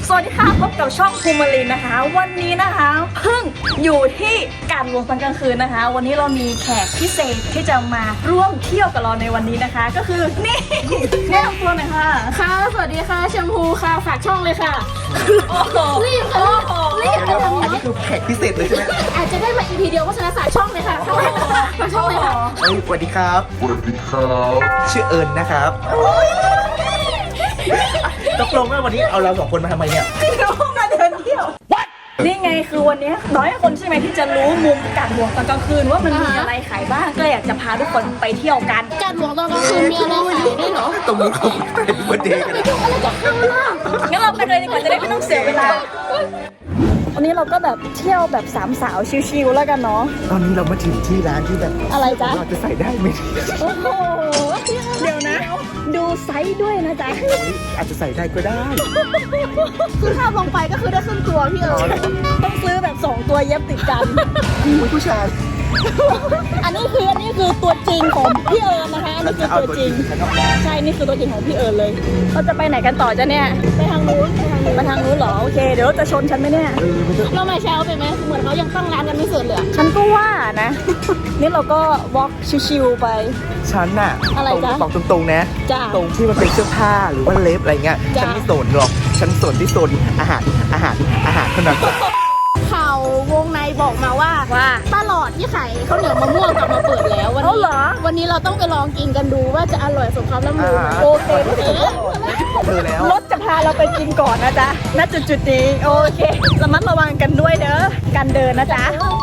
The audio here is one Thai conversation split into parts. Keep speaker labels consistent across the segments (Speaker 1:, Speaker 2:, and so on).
Speaker 1: สวัสดีค่ะพบกับช่องภูมิลินนะคะวันนี้นะคะเพิ่งอยู่ที่การวงตอนกลางคืนนะคะวันนี้เรามีแขกพิเศษที่จะมาร่วมเที่ยวกับเราในวันนี้นะคะก็คือนี่แนะนำตัวหน่อยค่ะ
Speaker 2: ค่ะสวัสดีค่ะแชมพูค่ะฝากช่องเลยค่ะ
Speaker 1: โอ้โห
Speaker 2: รีบค่ะรีบค่ะ
Speaker 3: อันนี้คือแขกพิเศษเลยใช่ไหม
Speaker 2: อาจจะได้มา EP เดียวเพราะฉะนั้นฝากช่องเลยค่ะฝากช่องเลยค่ะ
Speaker 3: สวัสดีครับชื่อเอิญนะครับตกลงว่าวันนี้เอาเราสองคนมาทำไมเนี่ย
Speaker 1: พี่น้องมาเดินเที่ยวนี่ไงคือวันนี้น้อยคนใช่ไหมที่จะรู้มุมการวงตอนกลางคืนว่ามันมีอะไรขายบ้างก็อยากจะพาทุกคนไปเที่ยวกัน
Speaker 2: การหลวงตอนกลางคืนมีอะไรขายด้วยเหรอ
Speaker 3: ตรงนี้เขาเป็นวันเดย์กัน
Speaker 2: อะไรกับข้าวล่ะ
Speaker 1: งั้นเราไปเลยดีกว่าจะได้ไม่ต้องเสียเวลาวันนี้เราก็แบบเที่ยวแบบสามสาวชิลๆแล้วกันเนาะ
Speaker 3: ตอนนี้เรามาถึงที่ร้านที่แบบ
Speaker 1: อะไรจ๊ะ
Speaker 3: เราจะใส่ได้ไหม
Speaker 1: โอ้โหเดี๋ยวนะ ดูไซส์ด้วยนะจ๊ะ
Speaker 3: อาจจะใส่ได้ก็ได้
Speaker 2: คือถ้าลงไปก็คือได้ครึ่งตัวพี่เอิญ
Speaker 1: ต้องซื้อแบบ2ตัวเย็บติดกัน
Speaker 3: ผู้ชาย
Speaker 1: อันนี้คือตัวจริงของพี่เอิญนะคะอันนี้คือตัวจริงใช่นี่คือตัวจริงของพี่เอิญเลยเราจะไปไหนกันต่อจ๊ะเนี่ยไปทางนู้นเหรอโอเคเดี๋ยวเราจะชนฉันไหมเนี่ย
Speaker 2: เรามาเช้าไปไหมเหมือนเขายังตั้งร้านกันไม่เสร็จเลย
Speaker 1: ฉันก็ว่านะ นี่เราก็วอล์กชิวๆไป
Speaker 3: ฉันน่ะ
Speaker 1: อะไรจ๊ะ
Speaker 3: บอกตรงๆนะ
Speaker 1: จ้ะ
Speaker 3: ตรงที่มันเป็นเสื้อผ้าหรือว่าเล็บอะไรเงี้ย
Speaker 1: จ้ะ
Speaker 3: ฉันไม่สนหรอกฉันสนที่โซนอาหารเท่านั้น
Speaker 2: ข่าววงในบอกมาว่าตลอดที่ขายข้าวเหนียวมะม่วงกลับมาเปิดแล้ววัน
Speaker 1: เอา
Speaker 2: นี้
Speaker 1: เหรอ
Speaker 2: วันนี้เราต้องไปลองกินกันดูว่าจะอร่อยสมคำล่ำลือไหม
Speaker 1: โอเค
Speaker 3: เธอแล้ว
Speaker 1: รถจะพาเราไปกินก่อนนะจ๊ะณจุดนี้โอเคระมัดระวังกันด้วยเด้อการเดินนะจ๊ะ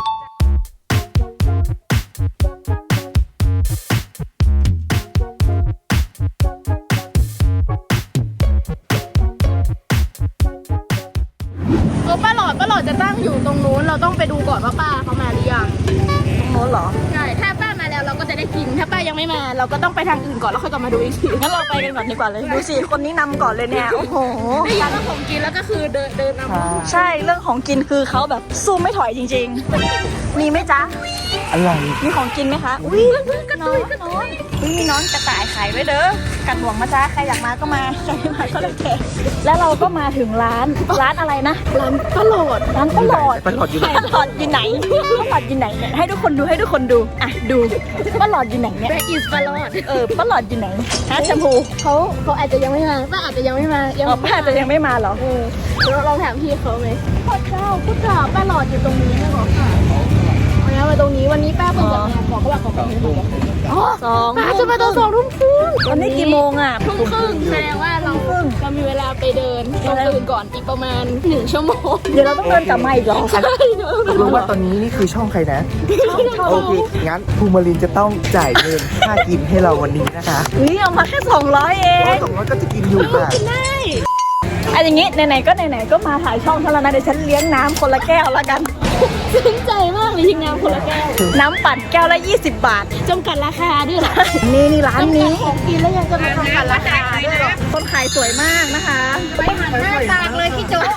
Speaker 2: ป้าหลอดจะตั้งอยู่ตรงนู้นเราต้องไปดูก่อนว่าป้าเขามาหรือยัง
Speaker 1: ตรงโน้นเหรอ
Speaker 2: ใช่ถ้าป้ามาแล้วเราก็จะได้กินถ้าป้ายังไม่มาเราก็ต้องไปทางอื่นก่อนแล้วค่อยกลับมาดูอีกที
Speaker 1: งั้นเราไปกันก่อนดีกว่าเลยดูสิคนนี้นำก่อนเลยเนี่ยโอ้โห
Speaker 2: ได้ยินว่าของกินแล้วก็คือเดินนำ
Speaker 1: ใช่เรื่องของกินคือเขาแบบสู้ไม่ถอยจริงๆ มีไหมจ๊ะ
Speaker 3: อะไร
Speaker 1: มีของกินไหมคะอุ้ยกระตุยมีน้องกระต่ายขายด้วยเด้อกันห่วงมาจ้าใครอยากมาก็มาใครไม่มาก็เลยแค่แล้วเราก็มาถึงร้านอะไรนะ
Speaker 2: ร้านป้าหลอด
Speaker 1: ร้านป้าหลอด
Speaker 3: ป้าหลอดอยู่ไหน
Speaker 1: ป้าหลอดอยู่ไหนป้าหลอดอยู่ไหนเนี่ยให้ทุกคนดูอ่ะดูป้าหลอดอยู่ไหนเนี่ย
Speaker 2: แบอิสป้าหลอด
Speaker 1: ป้าหลอดอยู่ไหนฮะแชมพู
Speaker 2: เขาอาจจะยังไม่มาป้าอาจจะยังไม่มา
Speaker 1: ป้าจะยังไม่มาเหรอ
Speaker 2: เราลองถามพี่เขาไหมพ่อเจ้าป้าหลอดอยู่ตรงนี้นะหรอค่ะมาตรงนี้วันนี้ป้าเพิ่งจะมาบอกเขาว่าของเขาป้าจะมาตอน2 ทุ่มครึ่ง
Speaker 1: วันนี้กี่โมงอ่ะ
Speaker 2: ทุ่มครึ่งแสดงว่าเรามีเวลาไปเดินเราตื่นก่อนอีกประมาณ1 ชั่วโมง
Speaker 1: เดี๋ยวเราต้องเดินกลับมาอีกเหรอ
Speaker 3: รู้ว่าตอนนี้นี่คือช่องใครนะโอเคงั้นภูมิลินจะต้องจ่ายเงินค่ากินให้เราวันนี้นะคะ
Speaker 1: เอามาแค่200เอง
Speaker 3: 200ก็จะกินอยู่ค่ะ
Speaker 1: อันอย่างงี้ไหนๆก็มาถ่ายช่องเท่านั้นนะเดี๋ยวฉันเลี้ยงน้ำคนละแก้วแล้วกัน
Speaker 2: ซึ้งใจมากเลยทีมงานคนละแก้ว
Speaker 1: น้ำปั่นแก้วละ20 บาท
Speaker 2: จำกัดราคาด้วยเหรอ
Speaker 1: นี่ร้านนี้
Speaker 2: ของกินแล้วยังจะมาจำกัดราคาด้วยเหรอ
Speaker 1: คนขายสวยมากนะคะ
Speaker 2: ไปหันหน้าตากเลยพี่โจ๊ก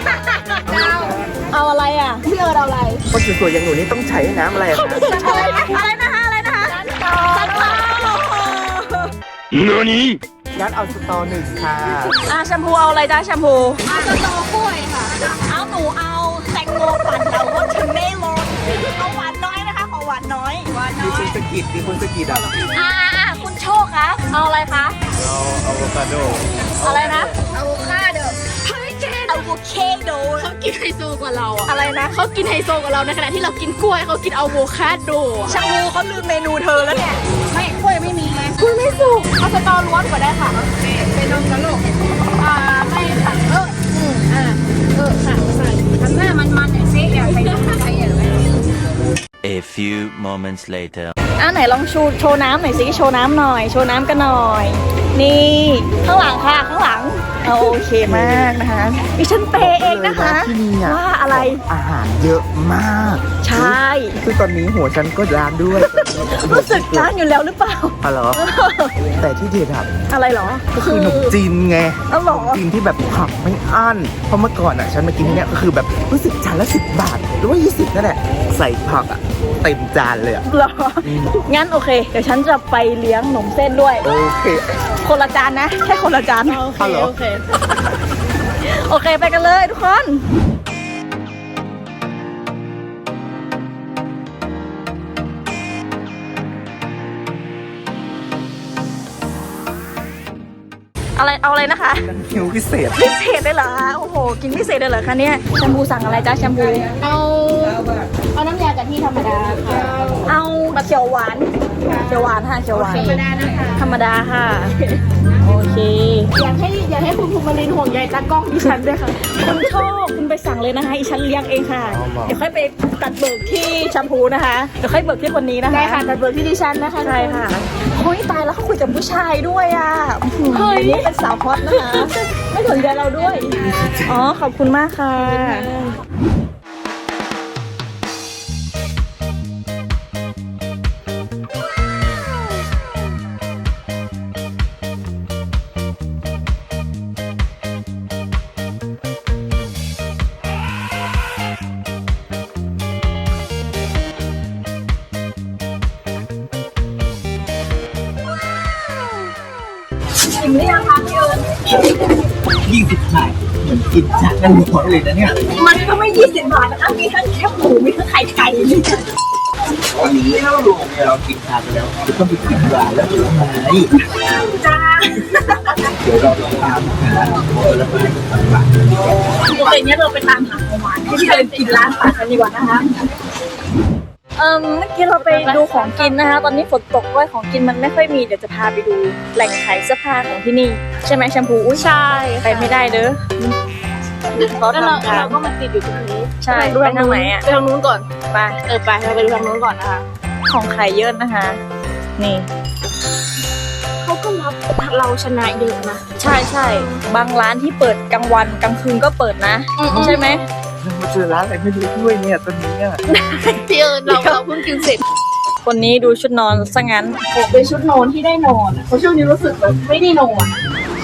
Speaker 1: เอาอะไรอ่ะ
Speaker 2: พี่เอิร์ดเอาอะไร
Speaker 3: คนสวยๆอย่างหนูนี่ต้องใช้น้ำอะไรอะคะ
Speaker 1: อะไรนะคะสันเปา
Speaker 3: งั้นเอาสตอหนึ่งค่ะ
Speaker 1: แชมพูเอาอะไรจ้าแชมพู
Speaker 2: เอาสตอกล้วยค่ะ
Speaker 1: เอาหนูเอาแตงโมปั่นแต่ว่าฉันไม่ลดเอาหวานน้อยนะคะขอหวานน้อย
Speaker 3: มีคนสะกิดอ่ะ
Speaker 1: คุณโชคคะเอาอะไรคะ
Speaker 3: เอาอะโวคาโด
Speaker 1: อะไรนะ
Speaker 2: อะโวคาโดเฮ้ยเจน
Speaker 1: อะโวคาโด
Speaker 2: เขากินไฮโซกว่าเราอะ
Speaker 1: อะไรนะ
Speaker 2: เขากินไฮโซกว่าเราในขณะที่เรากินกล้วยเขากินอะโวคาโด
Speaker 1: แชมพูเขาลืมเมนูเธอแล้วเนี่ย
Speaker 2: ไม่กล้วยไม่มีเลยกล้วยไม่สุกเอาสตอล้วนกว่าได้ค่ะเป็นนมกระโหลกไม่ค่ะค่ะใส่ทำหน้ามันเนี่ยเซ่อยากไปทำอะไรอย่างไร
Speaker 4: A few moments later.
Speaker 1: ไหนลองโชว์น้ำหน่อยสิโชว์น้ำหน่อยโชว์น้ำกันหน่อย นี่ข้างหลังค่ะข้างหลังโอเคมากนะคะดิฉันเปย์เองนะคะ
Speaker 3: ที่นี่อะ
Speaker 1: ว่าอะไร
Speaker 3: อาหารเยอะมาก
Speaker 1: ใช่
Speaker 3: คือตอนนี้หัวฉันก็ร้านด้วย
Speaker 1: รู้สึกร้านอยู่แล้วหรือเปล่า
Speaker 3: อ๋อเหรอแต่ที่เด็ดอะ
Speaker 1: อะไรเหรอ
Speaker 3: ก็คือขนมจีนไง
Speaker 1: เอาเหรอ
Speaker 3: ขนมจีนที่แบบผักไม่อั้นเพราะเมื่อก่อนอ่ะฉันมากินที่เนี้ยก็คือแบบรู้สึกจานละ10 บาทหรือว่า20นั่นแหละใส่ผักอ่ะเต็มจานเลยอ่ะ
Speaker 1: เหรองั้นโอเค เดี๋ยวฉันจะไปเลี้ยงหนมเส้นด้วย
Speaker 3: โอเค
Speaker 1: คนละจานนะแค่คนละจาน
Speaker 2: โอเคโอเค
Speaker 1: โอเคไปกันเลยทุกคนอะไรเอาอะไรนะคะ
Speaker 3: คิวพิเศษ
Speaker 1: พิเศษได้เหรอคะโอ้โหกินพิเศษได้เหรอคะเนี่ยแชมพูสั่งอะไรจ้าแชมพู
Speaker 2: เอาน้ำยากะทิธรรมดาค่ะ
Speaker 1: เอาแบบเขียวหวานค่ะเขียวหวาน
Speaker 2: ธรรมดานะคะ
Speaker 1: ธรรมดาค่ะโอเค
Speaker 2: อยากให้คุณภูมิลินห่วงใยตากล้องดิฉันด้วยค่ะ
Speaker 1: คุณชอบคุณไปสั่งเลยนะคะอีฉันเลี้ยงเองค่ะเดี๋ยวค่อยไปตัดเบิกที่แชมพูนะคะเดี๋ยวค่อยเบิกที่คนนี้นะคะ
Speaker 2: ได้ค่ะแต่เบอร์ที่ดิฉันนะคะ
Speaker 1: ใช่ค่ะเฮ้ยตายแล้วเขาคุยกับผู้ชายด้วยอ่ะเฮ้ยนี่เป็นสาวฮอตนะคะ ไม่สนใจเราด้วย อ๋อ ขอบคุณมากค่ะ อิ่มหรือยังคะพี่เอิญ
Speaker 3: 20 บาทเหมือนกินจานกันหัวเลยนะเนี่ย
Speaker 1: มันก็ไม่20 บาทนะคะ มีทั้งแคบหมู มีทั้งไข่ไก่นี่
Speaker 3: วันนี้เราลงเนี่ยเรากินทานไปแล้วจะต้องไปกินหวานแล้วผลไม้
Speaker 1: จ้า
Speaker 3: เดี๋ยวเราตามหาผลไม้หวาน
Speaker 1: โอเคงั้นเราไปตามหาของหวานให้พี่เอิญกินร้านป่ากันดีกว่านะคะ เมื่อกี้เราไปดูของกินนะคะ ตอนนี้ฝนตกด้วยของกินมันไม่ค่อยมี เดี๋ยวจะพาไปดูแหล่งขายเสื้อผ้าของที่นี่ ใช่ไหมแชมพูอุ้ยใช่ไปไม่ได้เด้อเขา
Speaker 2: แล้วเรา
Speaker 1: ทำทาง
Speaker 2: ก็มาติดอยู่ตรงนี้
Speaker 1: ใช่ไปทางไหนอ่ะ
Speaker 2: ไปทางนู้นก่อน
Speaker 1: ไป
Speaker 2: ไปเราไปดูทางนู้นก่อนนะคะ
Speaker 1: ของขายเยอะนะคะ นี่
Speaker 2: เขาก็รับเราชนะเยอะนะ
Speaker 1: ใช่ใช่บางร้านที่เปิดกลางวันกลางคืนก็เปิดนะ ใช่ไหม
Speaker 3: เรามาเจอร้านอะไรไม่รู้ด้วยเนี่ยตอนนี้เนี่ย
Speaker 2: พี่เอิญเราเพิ่งกินเสร็จ
Speaker 1: คนนี้ดูชุดนอนซะงั้น
Speaker 2: เป็นชุดนอนที่ได้นอนอะเพราะช่วงนี้รู้สึกแบบไม่ได้นอน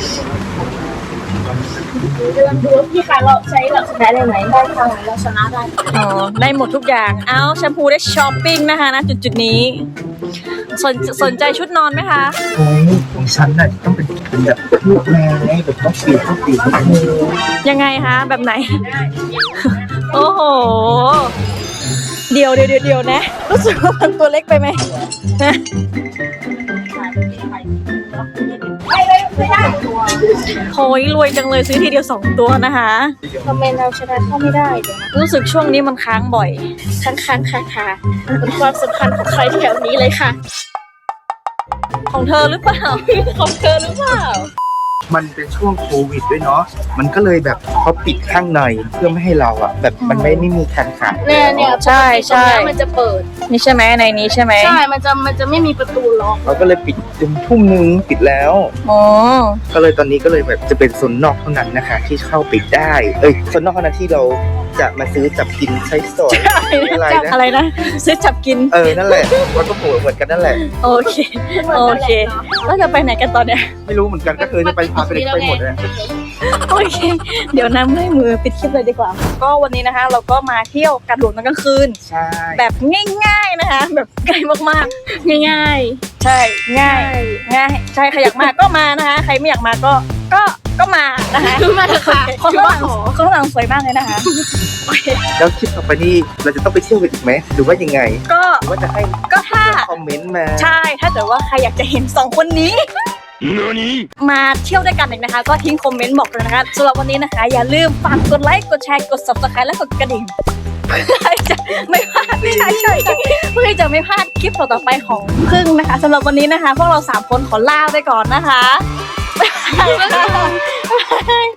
Speaker 2: เดินดูพี่คะเราใช้เราชนะได้ไหมได้ค่ะเราชนะได้
Speaker 1: อ๋อ ได้หมดทุกอย่าง เอาแชมพูได้ช้อปปิ้งนะคะนะจุดๆนี้ สนใจชุดนอนไหมคะ
Speaker 3: โอ้ยของฉันน่ะต้องเป็นแบบลูกแม่แบบต้องเปลี่ยนต้องเปลี่ยนต้องเปลี่ยน
Speaker 1: ยังไงคะ แบบไหน โอ้โห เดี๋ยวนะ รู้สึกว่ามันตัวเล็กไปไหมนะโอ้ยรวยจังเลยซื้อทีเดียว2 ตัวนะคะ
Speaker 2: ทำไมเราชนะเข้าไม่ได้เดี๋ยวนะ
Speaker 1: รู้สึกช่วงนี้มันค้างบ่อย
Speaker 2: ค้างค่ะเป็นความสำคัญของใครแถวนี้เลยค่ะ
Speaker 1: ของเธอหรือเปล่า ของเธอหรือเปล่า
Speaker 3: มันเป็นช่วงโควิดด้วยเนาะมันก็เลยแบบเขาปิดข้างในเพื่อไม่ให้เราอ่ะแบบมันไม่มีการขาย
Speaker 2: เนี่ย
Speaker 1: ใช่ใช่
Speaker 2: ตรงเนี้ยมันจะเปิด
Speaker 1: นี่ใช่ไหมในนี้ใช่ไหม
Speaker 2: ใช่ มันจะไม่มีประตูล็อก
Speaker 3: เราก็เลยปิดจนทุ่มนึงปิดแล้ว
Speaker 1: อ๋อ
Speaker 3: ก็เลยตอนนี้ก็เลยแบบจะเป็นโซนนอกเท่านั้นนะคะ ที่เข้าไปได้ โซนนอกเท่านั้นที่เราจะมาซื้อจับกินใช้สอยอะไรนะ
Speaker 1: อะไรนะ ซื้อจับกิน
Speaker 3: นั่นแหละมันก็เหมือนกันนั่นแหละ
Speaker 1: โอเค โอเค แล้วจะไปไหนกันตอนเนี้ย
Speaker 3: ไม่รู้เหมือนกันก็คือจะไปพาไปเด็กไปหมดเลย
Speaker 1: โอเค เดี๋ยวน้ำเมื่อยมือปิดคลิปเลยดีกว่า ก็วันนี้นะคะ เราก็มาเที่ยวกันหลวงตอนกลางคืน
Speaker 3: ใช่
Speaker 1: แบบง่ายๆนะคะ แบบง่ายมาก
Speaker 2: ง่าย
Speaker 1: ๆ ใช่ ง่าย ง่าย ใช่ ใครอยากมาก็มานะคะ ใครไม่อยากมาก็มานะคะ
Speaker 2: ๆมาเถอะค่ะ
Speaker 1: คนข้างหลังคนข้างหลังสวยมากเลยนะคะ
Speaker 3: แล้วคลิปต่อไปนี่เราจะต้องไปเที่ยวกันอีกไหมหรือว่ายังไง
Speaker 1: ก็
Speaker 3: หรือว่าจะให้
Speaker 1: ก็ถ้า
Speaker 3: คอมเมนต์มา
Speaker 1: ใช่ ถ้าเกิดว่าใครอยากจะเห็น2 คนนี้ มาเที่ยวด้วยกันอีกนะคะ ก็ทิ้งคอมเมนต์บอกเลยนะคะสำหรับวันนี้นะคะ อย่าลืมฝากกดไลค์ กดแชร์ กด subscribe และกดกระดิ่งเพื่อจะไม่พลาดเพื่อจะไม่พลาดคลิปต่อๆไปของพึ่งนะคะสำหรับวันนี้นะคะ พวกเรา3 คนขอลาไปก่อนนะคะบ๊ายบาย